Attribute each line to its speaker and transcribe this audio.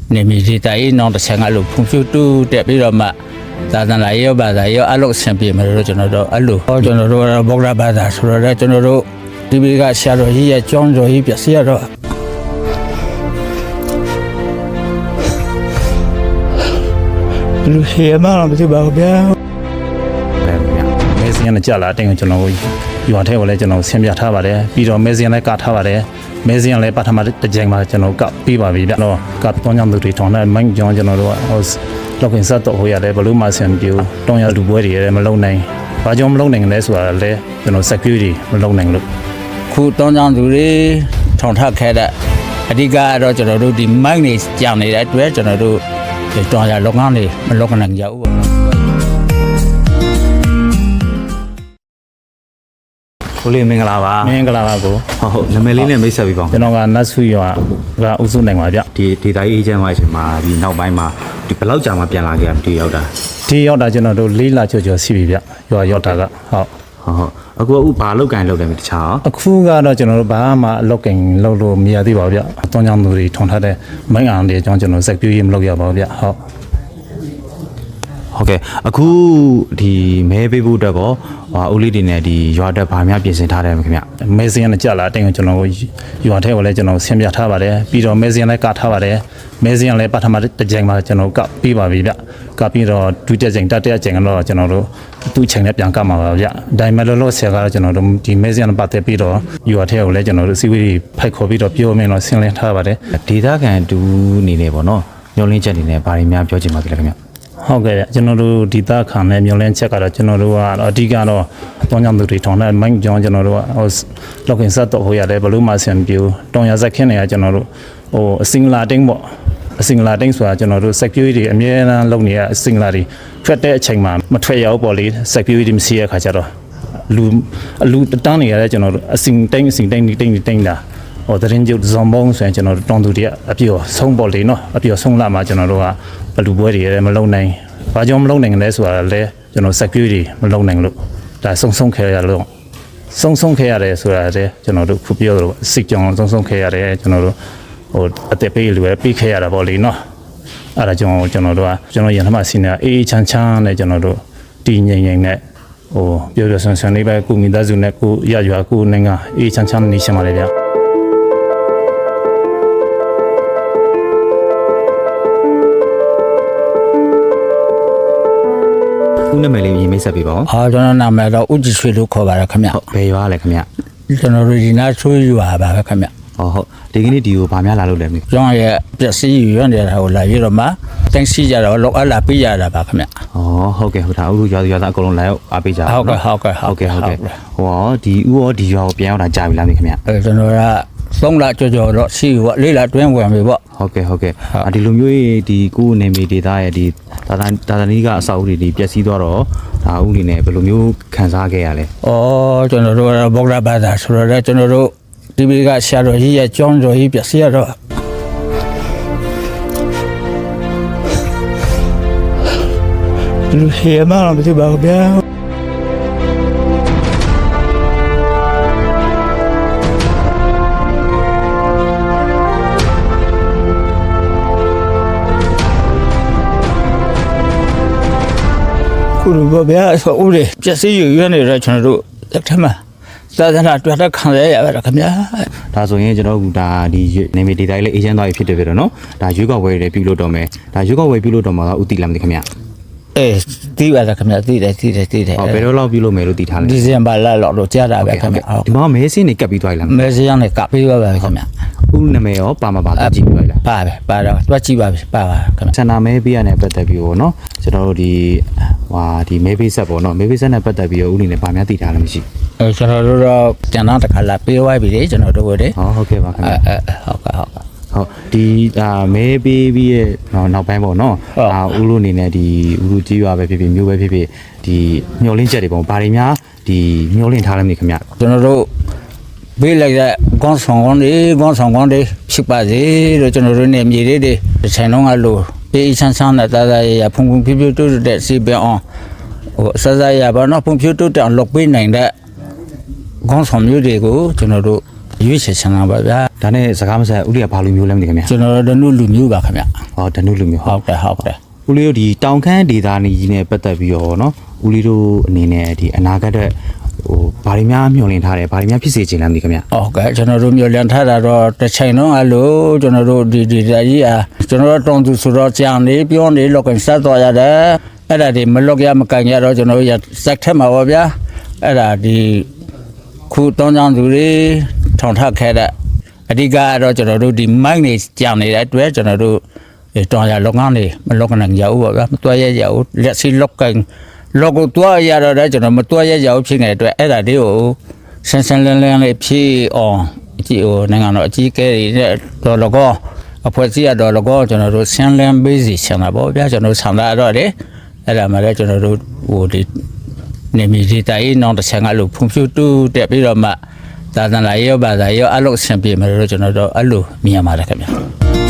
Speaker 1: နေမီဒီတိုင်းနောင်တစ်ချက်ငါလို့ဖွံ့ဖြိုးတိုးတက်ပြီးတော့မှသာသနာရေးဘာသာရေးအလုပ်ဆင်ပြေမယ်လို့ကျွန်တော်တို့အဲ့လိုဟောကျွန်တော်တို့ဗုဒ္ဓဘာသာဆိုတော့ကျွန်တော်တို့ဒီဘက်ကဆရာတော်ကြီးရဲ့ကျောင်းတော်ကြီးပြစီရတော့လူဟေမာမသိပါဘူးဗျာ
Speaker 2: မဲစင်းနဲ့ကြာလာတင်ကျွန်တော်ရွာထဲကိုလည်းကျွန်တော်ဆင်းပြထားပါတယ်ပြီးတော့မဲစင်းလည်းကထားပါတယ်မဲစင်းလည်းပထမတစ်ကြိမ်မှာကျွန်တော်ကပြီးပါပြီဗျတော့ကပ်တောင်းကြောင့်သူတွေထောင်းတဲ့မိုင်းကြောင့်ကျွန်တော်တို့လောက်ကင်ဆက်တော့ဟိုရတယ်ဘလို့မှဆင်ပြူတောင်းရလူပွဲတွေလည်းမလုံနိုင်ဘာကြောင့်မလုံနိုင်လဲဆိုတာလည်းကျွန်တော် security မလုံနိုင်လို့
Speaker 1: ခုတောင်းကြောင့်သူတွေထောင်ထခဲ့တဲ့အဓိကကတော့ကျွန်တော်တို့ဒီမိုင်းနေကြောင်နေတဲ့အတွက်ကျွန်တော်တို့တောင်းရလုပ်ငန်းတွေမလုပ်နိုင်ကြဘူးပေါ့
Speaker 3: ကိုလေးမင်္ဂလာပါ
Speaker 2: မင်္ဂလာပါကို
Speaker 3: ဟုတ်နာမည်လေးနဲ့မိတ်ဆက်ပြီးပါ
Speaker 2: ကျွန်တော်ကနတ်ဆုရွာကဥစုနိုင်ပါဗျ
Speaker 3: ဒီဒေတာအေဂျင့်ဝိုင်းရှင်မှာဒီနောက်ပိုင်းမှာဒီဘယ်လောက်ကြာမှပြန်လာခဲ့ဒီရောက်တာ
Speaker 2: ကျွန်တော်တို့၄လကျော်ရှိပြီဗျရွာရောက်တာက
Speaker 3: ဟုတ်အခုဘာလောက်ကန်လောက်တယ်တခြား
Speaker 2: အခုကတော့ကျွန်တော်တို့ဘာမှအလောက်ကင်လောက်လို့မရသေးပါဘူးဗျအသွင်းကြောင့်သူတွေထုံထားတဲ့မိုင်းအောင်တွေအကြောင်းကျွန်တော်စက်ပြူးရေးမလုပ်ရပါဘူးဗျ
Speaker 3: ဟုတ်ကဲ့အခုဒီမဲပေးဖို့အတွက်ကောဦးလေးတွေနဲ့ဒီရွာတက်ဗာများပြင်ဆင်ထားတယ်ခင်ဗျ
Speaker 2: မဲစင်းနဲ့ကြာလာတင်ကျွန်တော်ရွာထဲကိုလည်းကျွန်တော်ဆင်းပြထားပါတယ်ပြီးတော့မဲစင်းလည်းကထားပါတယ်မဲစင်းလည်းပထမတစ်ကြိမ်မှာကျွန်တော်ကပြီးပါပြီဗျကပြီးတော့ဒုတိယကြိမ်တတိယကြိမ်ကတော့ကျွန်တော်တို့သူ့ချိန်နဲ့ပြန်ကမှာပါဗျဒိုင်မလောဆယ်ကတော့ကျွန်တော်တို့ဒီမဲစင်းနဲ့ပတ်သက်ပြီးတော့ရွာထဲကိုလည်းကျွန်တော်တို့စီဝေးဖိုက်ခေါ်ပြီးတော့ပြောမင်းတော့ဆင်းလင်းထားပါတယ်
Speaker 3: ဒေတာကန်တူနေနေပေါ့နော်ညှို့လင်းချက်နေနဲ့ဗာတွေများပြောချင်ပါကြလဲခင်ဗျ
Speaker 2: ဟုတ်ကဲ့ကျွန်တော်တို့ဒီသားခံနဲ့မျောလင်းချက်ကတော့ကျွန်တော်တို့ကအဓိကတော့အတောင်းကြောင့်သူတွေထောင်းတဲ့မိုင်းကြောင့်ကျွန်တော်တို့ကလောက်ကင်ဆက်တော့ဟိုရတယ်ဘလို့မှဆင်ပြူတောင်ရဇက်ခင်းနေရကျွန်တော်တို့အစင်လာတင်းပေါ့အစင်လာတင်းဆိုတာကျွန်တော်တို့ security အမြဲတမ်းလုပ်နေရအစင်လာတွေထွက်တဲ့အချိန်မှာမထွက်ရဘူးပေါ့လေ security မရှိရခါကြတော့လူတန်းနေရတဲ့ကျွန်တော်တို့အစင်တင်းတာတရင်ကျုပ်ဇွန်ဘုံဆိုရင်ကျွန်တော်တို့တောင်သူတွေကအပြည့်ဆုံးပေါ့လေနော်အပြည့်ဆုံးလာမှကျွန်တော်တို့ကဘလူပွဲတွေလည်းမလုံနိုင်ဘာကြောင့်မလုံနိုင်လဲဆိုတာလည်းကျွန်တော် security မလုံနိုင်လို့ဒါဆုံးခဲ့ရလို့ဆုံးခဲ့ရတယ်ဆိုတာလည်းကျွန်တော်တို့ခုပြောလို့စစ်ကြောင်ဆုံးခဲ့ရတယ်ကျွန်တော်တို့အသက်ပေးလို့ပြီးခဲ့ရတာပေါ့လေနော်အဲ့ဒါကြောင့်ကျွန်တော်တို့ကကျွန်တော်ရန်ထမစီနေအေးချမ်းနဲ့ကျွန်တော်တို့တည်ငြိမ်နဲ့ပြောဆန်လေးပဲကုမိသားစုနဲ့ကုရရွာကုနိုင်ငံအေးချမ်းနေရှင်းပါလေဗျ
Speaker 3: ဦးနာမည်လေးရေးမိတ်ဆက်ပေးပါဦး
Speaker 1: ကျွန်တော်နာမည်တော့ဦးကြည်ရွှေလို့ခေါ်ပါရခင်ဗျ
Speaker 3: ဘယ်ရွာလဲခင်ဗျ
Speaker 1: ကျွန်တော်တို့ဒီနာဆွေးရွာပါပဲခင်ဗျ
Speaker 3: ဟုတ်ဒီကနေ့ဒီကိုဗာများလာလို့လဲ
Speaker 1: ကျွန်တော်ရဲ့ပျက်စီးရွံ့နေတာကိုလာပြီးတော့မှတိုင်းစီကြတော့လောက်အပ်လာပေးရတာပါခင်ဗျ
Speaker 3: ဟုတ်ကဲ့ဟုတ်တာဦးရွာသားအကုန်လုံးလာရောက်အားပေးကြ
Speaker 1: ဟုတ်ကဲ့
Speaker 3: ဒီဦးရောဒီရွာကိုပြန်ရောက်တာကြာပြီလားခင်ဗျ
Speaker 1: ကျွန်တော်က3လကျော်တော့ရှိပေါ့4လတွင်းဝင်ပြီပေါ့
Speaker 3: ဟုတ်ကဲ့ဒီလိုမျိုးဒီကိုနေမီဒေတာရဲ့ဒီတာသနီကအဆောက်အဦတွေဒီပျက်စီးသွားတော့ဒါဦးနေနဲ့ဘယ်လိုမျိုးခံစားခဲ့ရလဲ
Speaker 1: ကျွန်တော်တို့ဗုဒ္ဓဘာသာဆိုတော့ကျွန်တော်တို့ဒီဘက်ကဆရာတော်ကြီးရဲ့ကျောင်းတော်ကြီးပျက်စီးရတော့လူဟေမာမသိပါဘူးဗျာခုလိုဗျာဆိုဦးလေပျက်စီးရွံ့နေတဲ့ကျွန်တော်တို့တက်ထမသာသနာတွေ့တဲ့ခံရရပါခင်ဗျာ
Speaker 3: ဒါဆိုရင်ကျွန်တော်ကဒါဒီနေမီဒေတာလေးအေဂျင့်သွားပြီဖြစ်တယ်ပြတော့နော်ဒါရွေးကောက်ဝယ်တွေပြုလုပ်တော့မယ်ဒါရွေးကောက်ဝယ်ပြုလုပ်တော့မှာကဥတီလာမသိခင်ဗျ
Speaker 1: သိပါလားခင်ဗျာသိတယ်
Speaker 3: ဘယ်တော့လောက်ပြုလုပ်မယ်လို့သိထားလဲ
Speaker 1: ဒီဇင်ဘာလလောက်တော့ကြားတာပဲခင်ဗျာ
Speaker 3: ဒီမှာမဲစင်းနေကပ်ပြီးသွားပြီလား
Speaker 1: မဲစင်းနဲ့ကပ်ပြီးသွားပါပြီခင်ဗျာ
Speaker 3: ဦးနာမည်ရောပါမပါကြည့်ပြီးလား
Speaker 1: ပါတော့တွက်ကြည့်ပါပြီပါခင်ဗျာ
Speaker 3: ဆန္ဒမဲပေးရတဲ့ပတ်သက်ပြီးတော့နော်ကျွန်တော်တို့ဒီမဲပေးဆက်ပေါ့နော်မဲပေးဆက်နဲ့ပတ်သက်ပြီးတော့ဦးနေနဲ့ဗာများသိထားလားမရှိ
Speaker 1: ကျွန်တော်တို့တော့ကျန်တော့တခါလာပေးသွားပြီလေကျွန်တော်တို့တွေ
Speaker 3: ဟုတ်ကဲ့ပါခင်ဗျာ
Speaker 1: ဟုတ်
Speaker 3: ဒီမဲပေးပြီးရဲ့နောက်ပိုင်းပေါ့နော်ဦးလို့အနေနဲ့ဒီဦးလူကြီးရွာပဲဖြစ်ဖြစ်မျိုးပဲဖြစ်ဖြစ်ဒီမျောလင်းချက်တွေပေါ့ဘာတွေများဒီမျောလင်းထားလဲမသိခင်ဗျ
Speaker 1: ကျွန်တော်တို့ပေးလိုက်တဲ့ကောင်းဆောင်ကောင်းတွေဖြစ်ပါစေလို့ကျွန်တော်တို့နေမြေလေးတွေတစ်ချိန်လုံးကလို့အေးချမ်းနဲ့တာရဖုန်ဖြူတိုးတဲ့စီပအောင်စစရပါတော့ဖုန်ဖြူတိုးတဲ့လုပ်ပေးနိုင်တဲ့ကောင်းဆောင်မျိုးတွေကိုကျွန်တော်တို့ရွေးချယ်ချင်တာပါဗျာ
Speaker 3: ဒါနဲ့စကားမဆက်ဦးလေးကဘာလူမျိုးလဲမသိခင်ဗျာ
Speaker 1: ကျွန်တော်တို့လူမျိုးပါခင်ဗျ
Speaker 3: ဟောဓနုလူမျိုး
Speaker 1: ဟုတ်တယ်ဟုတ်တယ်
Speaker 3: ဦးလေးတို့ဒီတောင်ခမ်းဒေသနီကြီးနဲ့ပတ်သက်ပြီးတော့နော်ဦးလေးတို့အနေနဲ့ဒီအနာဂတ်တဲ့ဟိုဘာတွေများမျှော်လင့်ထားတယ်ဘာတွေများဖြစ်စေချင်လဲမသိခင်ဗျာ
Speaker 1: ဟုတ်ကဲ့ကျွန်တော်တို့မျိုးလန်ထားတာတော့တစ်ချိန်လုံးအလိုကျွန်တော်တို့ဒီကြီးအားကျွန်တော်တို့တောင်းသူဆိုတော့ကြာနေပြောနေလောက်ကဆက်သွားရတယ်အဲ့ဒါဒီမလောက်ကရမကန်ရတော့ကျွန်တော်တို့စက်ထက်မှာပါဗျာအဲ့ဒါဒီခုတောင်းကြသူတွေထောင်ထခဲ့တဲ့အဓိကကတော့ကျွန်တော်တို့ဒီမိုက်နေကြာနေတဲ့အတွက်ကျွန်တော်တို့တောင်းရလောကနေမလောကနိုင်ရဘူးပါဗျာမတွဲရရဘူးလက်စီလောက်ကလောကတွဲရတော့ကျွန်တော်မတွဲရရဘူးဖြစ်နေတဲ့အတွက်အဲ့ဒါလေးကိုဆန်းဆန်းလန်းလန်းလေးဖြည့်အောင်အကြည့်ဟိုနိုင်ငံတော်အကြီးကဲတွေတော်လကောအဖွဲ့အစည်းရတော်လကောကျွန်တော်တို့ဆန်းလန်းပေးစီချင်တာပေါ့ဗျာကျွန်တော်ဆန္ဒတော့လေအဲ့ဒါမှလည်းကျွန်တော်တို့ဟိုဒီနေမီဒီတိုင်းနောင်တစ်ချက်ငါလို့ဖွံ့ဖြိုးတိုးတက်ပြီးတော့မှသာသနာရေးဘာသာရေးအလုပ်ဆင်ပြေမယ်လို့ကျွန်တော်တို့အဲ့လိုမြင်ရပါတယ်ခင်ဗျာ